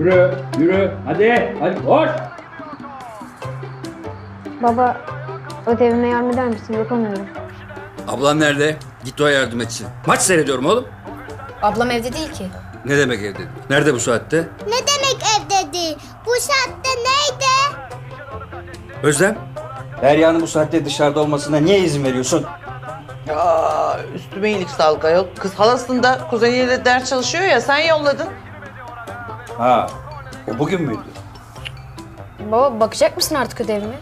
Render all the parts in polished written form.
Yürü, yürü. Hadi, hadi koş. Baba, ödevime yardım eder misin? Yapamıyorum. Ablan nerede? Git o yardım etsin. Maç seyrediyorum oğlum. Ablam evde değil ki. Ne demek evde? Nerede bu saatte? Ne demek evde değil? Bu saatte neydi? Özlem? Derya'nın bu saatte dışarıda olmasına niye izin veriyorsun? Ya üstüme iyilik sağlık ayol. Kız halasında kuzeniyle ders çalışıyor ya sen yolladın. Ha, o bugün müydü? Baba bakacak mısın artık ödevime?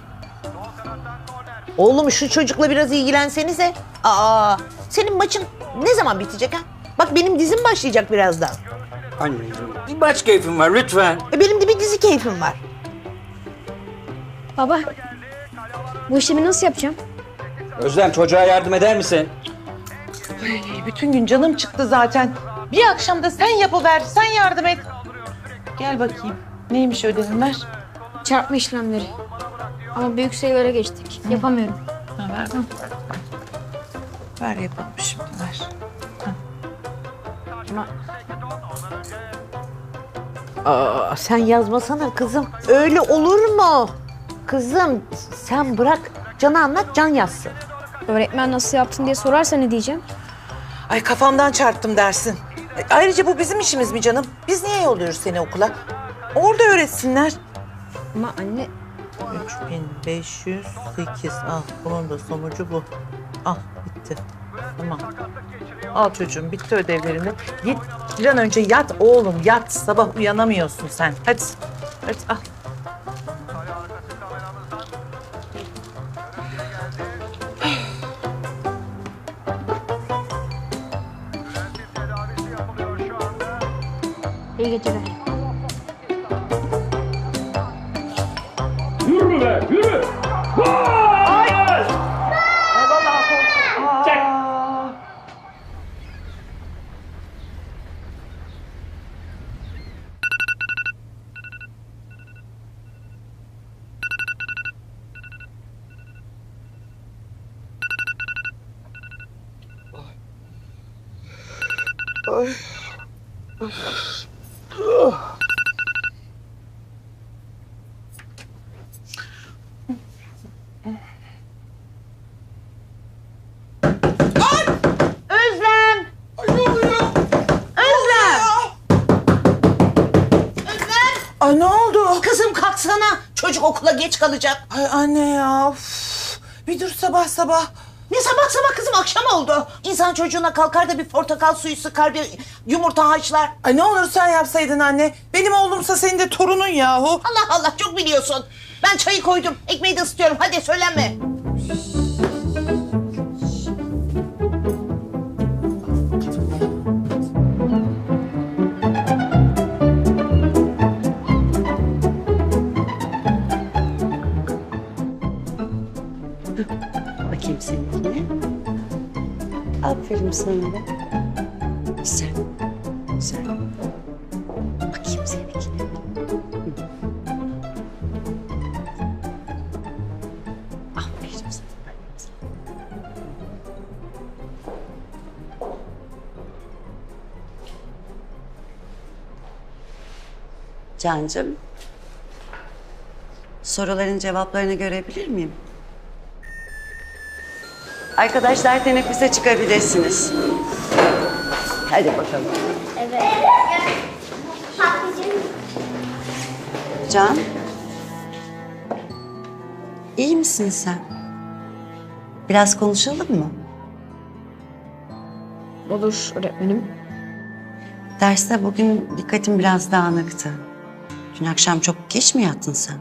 Oğlum şu çocukla biraz ilgilensenize. Senin maçın ne zaman bitecek ha? Bak benim dizim başlayacak birazdan. Anneciğim, bir maç keyfim var lütfen. Benim de bir dizi keyfim var. Baba, bu işlemi nasıl yapacağım? Özlem çocuğa yardım eder misin? Bütün gün canım çıktı zaten. Bir akşam da sen yapıver, sen yardım et. Gel bakayım. Neymiş ödevin ver. Çarpma işlemleri. Ama büyük sayılara geçtik. Yapamıyorum. Ha, ver. Ver yapalım şimdi ver. Sen yazmasana kızım. Öyle olur mu? Kızım sen bırak. Can'a anlat, Can yazsın. Öğretmen nasıl yaptın diye sorarsa ne diyeceğim? Ay kafamdan çarptım dersin. Ayrıca bu bizim işimiz mi canım? Biz niye yolluyoruz seni okula? Orada öğretsinler. Ama anne... 3508 al. Bunun da sonucu bu. Al bitti. Tamam. Al çocuğum bitti ödevlerini. Git bir an önce yat oğlum yat. Sabah uyanamıyorsun sen. Hadi. Hadi al. İyi geceler. Yürü be, yürü. Gol! Çek. Özlem! Özlem! Ay ne oldu? Kızım kalksana. Çocuk okula geç kalacak. Ay anne ya. Of. Bir dur sabah sabah. Ne sabah sabah kızım akşam oldu. İnsan çocuğuna kalkar da bir portakal suyu sıkar, bir yumurta haşlar. Ay ne olur sen yapsaydın anne. Benim oğlumsa senin de torunun yahu. Allah Allah çok biliyorsun. Ben çayı koydum. Ekmeği de ısıtıyorum. Hadi söylenme. Bakayım seninkine. Aferin sana da. Güzel. Güzel. Bakayım seninkine. Aferin sana. Cancığım. Soruların cevaplarını görebilir miyim? Arkadaşlar teneffüse çıkabilirsiniz. Hadi bakalım. Evet. Patlıcan. Can. İyi misin sen? Biraz konuşalım mı? Olur öğretmenim. Derste bugün dikkatim biraz dağınıktı. Dün akşam çok geç mi yattın sen?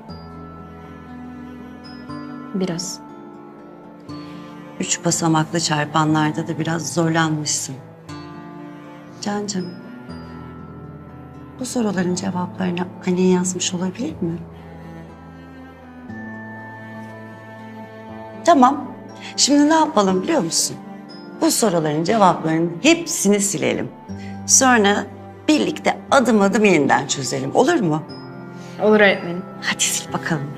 Biraz. 3 basamaklı çarpanlarda da biraz zorlanmışsın. Cancığım, bu soruların cevaplarını annen yazmış olabilir mi? Tamam. Şimdi ne yapalım biliyor musun? Bu soruların cevaplarının hepsini silelim. Sonra birlikte adım adım yeniden çözelim. Olur mu? Olur öğretmenim. Hadi sil bakalım.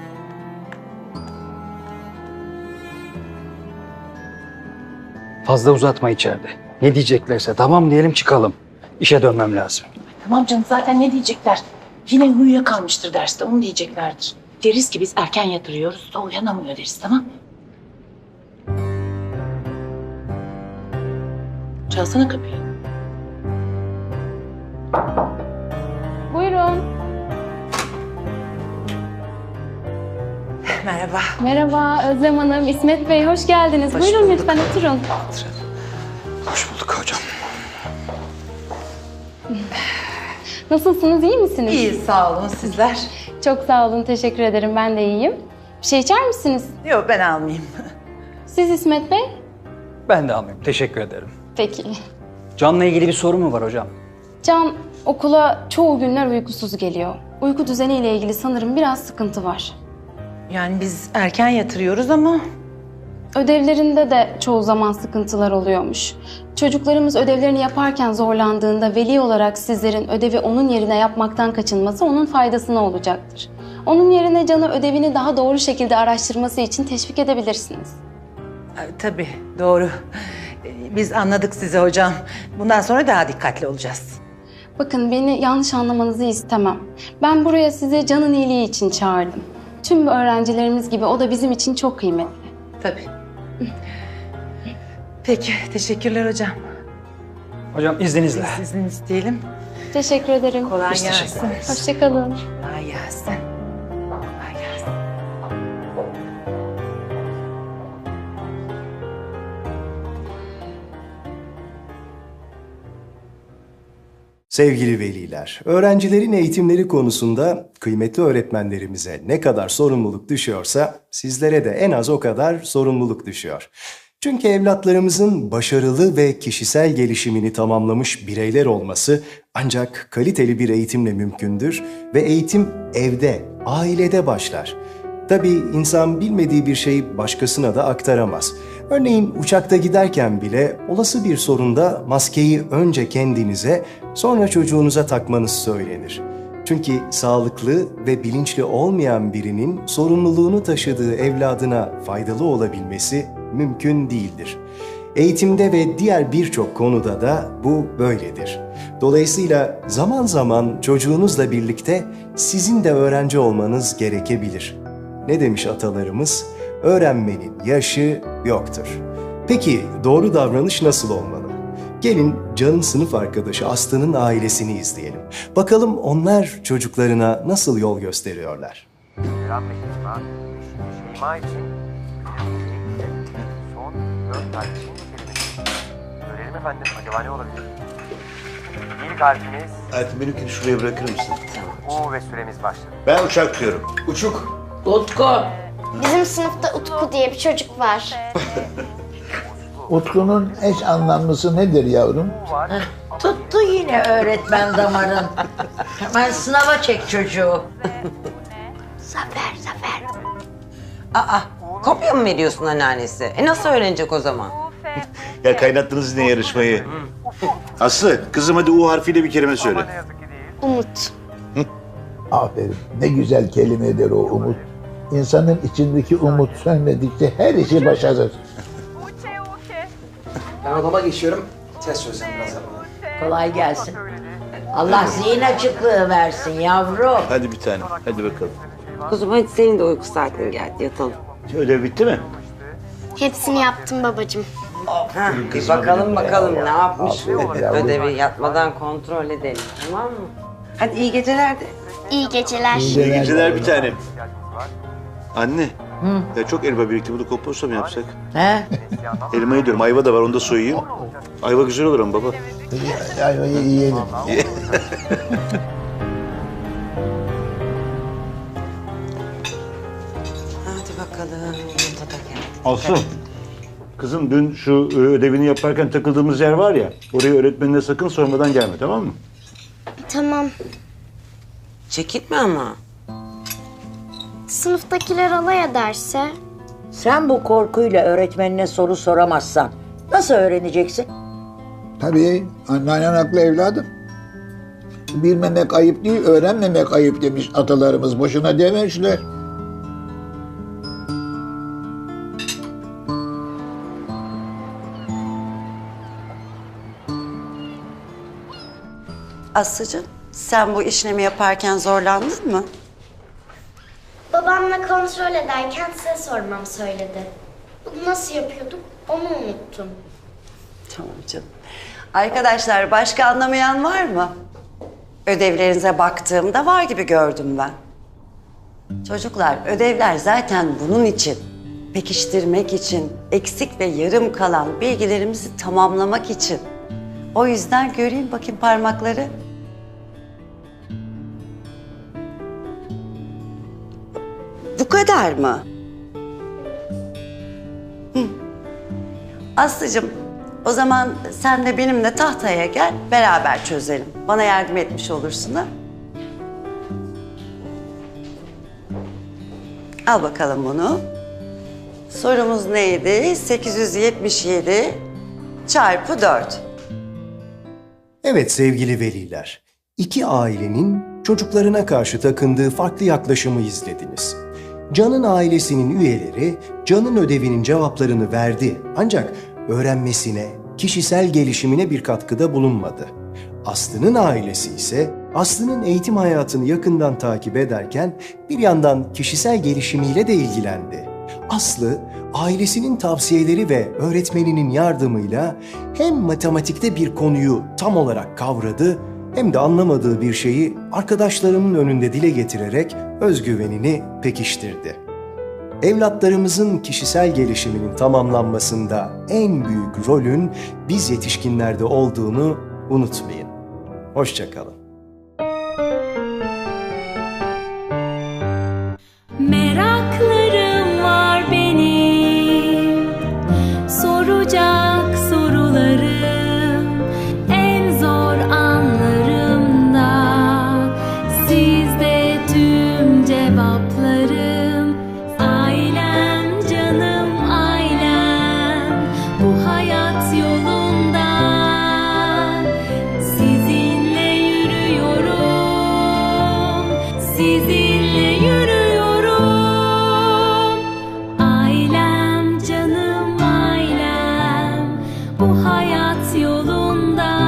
Fazla uzatma içeride. Ne diyeceklerse tamam diyelim çıkalım. İşe dönmem lazım. Tamam canım zaten ne diyecekler? Yine uyuyakalmıştır derste, onu diyeceklerdir. Deriz ki biz erken yatırıyoruz da uyanamıyor deriz, tamam mı? Çalsana kapıyı. Buyurun. Merhaba. Merhaba Özlem Hanım, İsmet Bey hoş geldiniz. Hoş Buyurun bulduk. lütfen oturun. Hoş bulduk hocam. Nasılsınız, iyi misiniz? İyi, sağ olun. Sizler? Çok sağ olun, teşekkür ederim. Ben de iyiyim. Bir şey içer misiniz? Yok, ben almayayım. Siz İsmet Bey? Ben de almayayım. Teşekkür ederim. Peki. Can'la ilgili bir soru mu var hocam? Can okula çoğu günler uykusuz geliyor. Uyku düzeniyle ilgili sanırım biraz sıkıntı var. Yani biz erken yatırıyoruz ama... Ödevlerinde de çoğu zaman sıkıntılar oluyormuş. Çocuklarımız ödevlerini yaparken zorlandığında veli olarak sizlerin ödevi onun yerine yapmaktan kaçınması onun faydasına olacaktır. Onun yerine Can'ı ödevini daha doğru şekilde araştırması için teşvik edebilirsiniz. Tabii, doğru. Biz anladık sizi hocam. Bundan sonra daha dikkatli olacağız. Bakın beni yanlış anlamanızı istemem. Ben buraya sizi Can'ın iyiliği için çağırdım. Tüm öğrencilerimiz gibi o da bizim için çok kıymetli. Tabii. Peki, teşekkürler hocam. Hocam izninizle. Biz izin isteyelim. Teşekkür ederim. Kolay Biz teşekkür gelsin. ederiz. Hoşça kalın. Kolay gelsin. Kolay gelsin. Sevgili veliler, öğrencilerin eğitimleri konusunda kıymetli öğretmenlerimize ne kadar sorumluluk düşüyorsa sizlere de en az o kadar sorumluluk düşüyor. Çünkü evlatlarımızın başarılı ve kişisel gelişimini tamamlamış bireyler olması ancak kaliteli bir eğitimle mümkündür ve eğitim evde, ailede başlar. Tabii insan bilmediği bir şeyi başkasına da aktaramaz. Örneğin uçakta giderken bile olası bir sorunda maskeyi önce kendinize, sonra çocuğunuza takmanız söylenir. Çünkü sağlıklı ve bilinçli olmayan birinin sorumluluğunu taşıdığı evladına faydalı olabilmesi mümkün değildir. Eğitimde ve diğer birçok konuda da bu böyledir. Dolayısıyla zaman zaman çocuğunuzla birlikte sizin de öğrenci olmanız gerekebilir. Ne demiş atalarımız? Öğrenmenin yaşı yoktur. Peki doğru davranış nasıl olmalı? Gelin Can'ın sınıf arkadaşı Aslı'nın ailesini izleyelim. Bakalım onlar çocuklarına nasıl yol gösteriyorlar. Eren ve Şeyma, Şeyma için son 4 harfinin kelimesi. Görelim efendim, acaba ne olabilir? İlk harfimiz Hayatım benimkini şuraya bırakır mısın? U ve süremiz başladı. Ben uçak diyorum. Uçuk. Utku. Bizim sınıfta Utku diye bir çocuk var. Utku'nun eş anlamlısı nedir yavrum? Tuttu yine öğretmen damarın. Hemen sınava çek çocuğu. Zafer. Aa, kopya mı veriyorsun anneannesi? Nasıl öğrenecek o zaman? Ya kaynattınız yine yarışmayı. Aslı, kızım hadi U harfiyle bir kelime söyle. Umut. Aferin. Ne güzel kelimedir o umut. İnsanın içindeki umut sönmedikçe her işi başarır. Ben odama geçiyorum. Test çözeceğim biraz yapalım. Kolay gelsin. Allah zihin açıklığı versin yavrum. Hadi bir tane, hadi bakalım. Kuzum hadi senin de uyku saatin geldi yatalım. Ödev bitti mi? Hepsini yaptım babacığım. Ha, bir bakalım ne yapmış. Aferin yavrum. Ödevi yatmadan kontrol edelim, tamam mı? Hadi iyi geceler de. İyi geceler. İyi geceler bir tanem. Anne, ya çok elma birikti. Bunu komposto mu yapsak? He? Elmayı diyorum, ayva da var, onu da soyayım. Ayva güzel olur ama baba. Ayvayı yiyelim. Hadi bakalım, yumurta da geldi. Aslı, kızım dün şu ödevini yaparken takıldığımız yer var ya, oraya öğretmenine sakın sormadan gelme, tamam mı? Tamam. Çekitme ama. Sınıftakiler alay ederse? Sen bu korkuyla öğretmenine soru soramazsan nasıl öğreneceksin? Tabii anneannen haklı evladım. Bilmemek ayıp değil, öğrenmemek ayıp demiş atalarımız. Boşuna dememişler. Aslıcığım Sen bu işlemi yaparken zorlandın mı? Babamla kontrol ederken size sormamı söyledi. Bunu nasıl yapıyorduk onu unuttum. Tamam canım. Arkadaşlar başka anlamayan var mı? Ödevlerinize baktığımda var gibi gördüm ben. Çocuklar, ödevler zaten bunun için. Pekiştirmek için, eksik ve yarım kalan bilgilerimizi tamamlamak için. O yüzden göreyim bakayım parmakları. Bu kadar mı? Hı. Aslıcığım, o zaman sen de benimle tahtaya gel, beraber çözelim. Bana yardım etmiş olursun ha? Al bakalım bunu. Sorumuz neydi? 877 çarpı 4. Evet sevgili veliler, iki ailenin çocuklarına karşı takındığı farklı yaklaşımı izlediniz. Can'ın ailesinin üyeleri Can'ın ödevinin cevaplarını verdi ancak öğrenmesine, kişisel gelişimine bir katkıda bulunmadı. Aslı'nın ailesi ise Aslı'nın eğitim hayatını yakından takip ederken bir yandan kişisel gelişimiyle de ilgilendi. Aslı, ailesinin tavsiyeleri ve öğretmeninin yardımıyla hem matematikte bir konuyu tam olarak kavradı hem de anlamadığı bir şeyi arkadaşlarının önünde dile getirerek özgüvenini pekiştirdi. Evlatlarımızın kişisel gelişiminin tamamlanmasında en büyük rolün biz yetişkinlerde olduğunu unutmayın. Hoşça kalın. Meraklarım var benim, soracak sorularım en zor anlarımda. Sizde tüm cevaplarım. Ailem, canım ailem, bu hayat yolunda sizinle yürüyorum, sizinle yürüyorum. Ailem, canım ailem, bu hayat yolunda